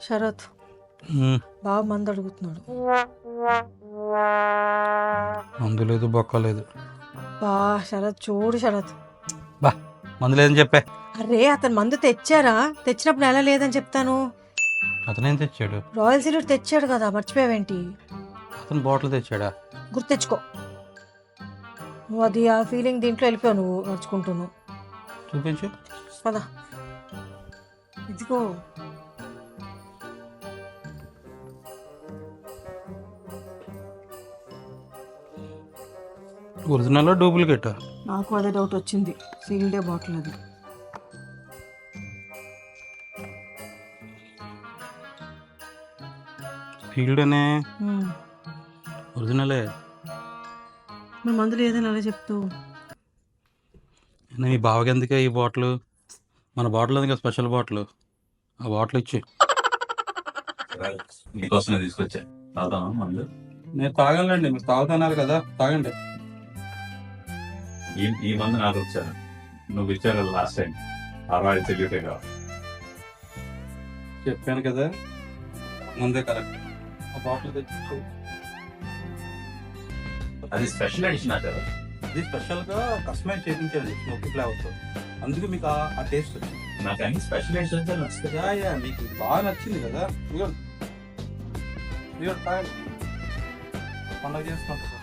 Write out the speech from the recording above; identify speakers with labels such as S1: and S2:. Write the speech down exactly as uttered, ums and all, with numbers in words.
S1: శరత్
S2: ఉమ్,
S1: బాగా మంది అడుగుతున్నాడు.
S2: మందు లేదు బొక్క లేదు.
S1: బా శరత్ చూడు శరత్.
S2: బా మందు లేదని చెప్పే.
S1: అరే అతను మందు తెచ్చారా? తెచ్చినప్పుడు ఎలా లేదని చెప్తాను.
S2: అతనేం తెచ్చాడు?
S1: రాయల్ సీల్యూట్ తెచ్చాడు కదా, మర్చిపోయావేంటి?
S2: అతను బాటిల్ తెచ్చాడా?
S1: గుర్తు తెచ్చుకో. నువ్వు అది ఆ ఫీలింగ్ దీంట్లో వెళ్ళిపోయావు, నువ్వు నడుచుకుంటున్నావు.
S2: చూపించు.
S1: పద ఇదిగో.
S2: Original duplicate?
S1: నాకు అదే డౌట్ వచ్చింది. సీల్డే బాటిల్ అది.
S2: ఫీల్డ్ అనే
S1: హ్మ్.
S2: ఒరిజినలే.
S1: మరి మందు లేదని అలా చెప్తూ.
S2: మీ బావకి ఎందుకే ఈ బాటిల్? మన బాటిల్ ఉంది కదా, స్పెషల్ బాటిల్. ఆ బాటిల్ ఇచ్చి.
S3: మీకోసమే తీసుకొచ్చా. తాగుతావా మందు?
S2: నేను తాగలండి, మీరు తాగుతున్నారు కదా, తాగండి.
S3: ఈ ఈ మందు నాకు వచ్చాను. నువ్వు ఇచ్చారు కదా లాస్ట్ టైం, అరవై తెలియటే కావాలి.
S2: చెప్పాను కదా ముందే కరెక్ట్. ఆ బాటిల్ తెచ్చి.
S3: అది స్పెషల్ ఎడిషన్ అంటారు.
S2: ఇది స్పెషల్గా కస్టమైజ్ చేయించాను స్మోకీ ఫ్లేవర్తో, అందుకే మీకు ఆ ఆ టేస్ట్ వచ్చింది.
S3: నాకు అన్ని స్పెషల్ ఎడిషన్ నచ్చుతాయి.
S2: యా యా మీకు ఇది బాగా నచ్చింది కదా. ఇదిగో ఇదిగో తాగండి, పండగ చేసుకుంటారు.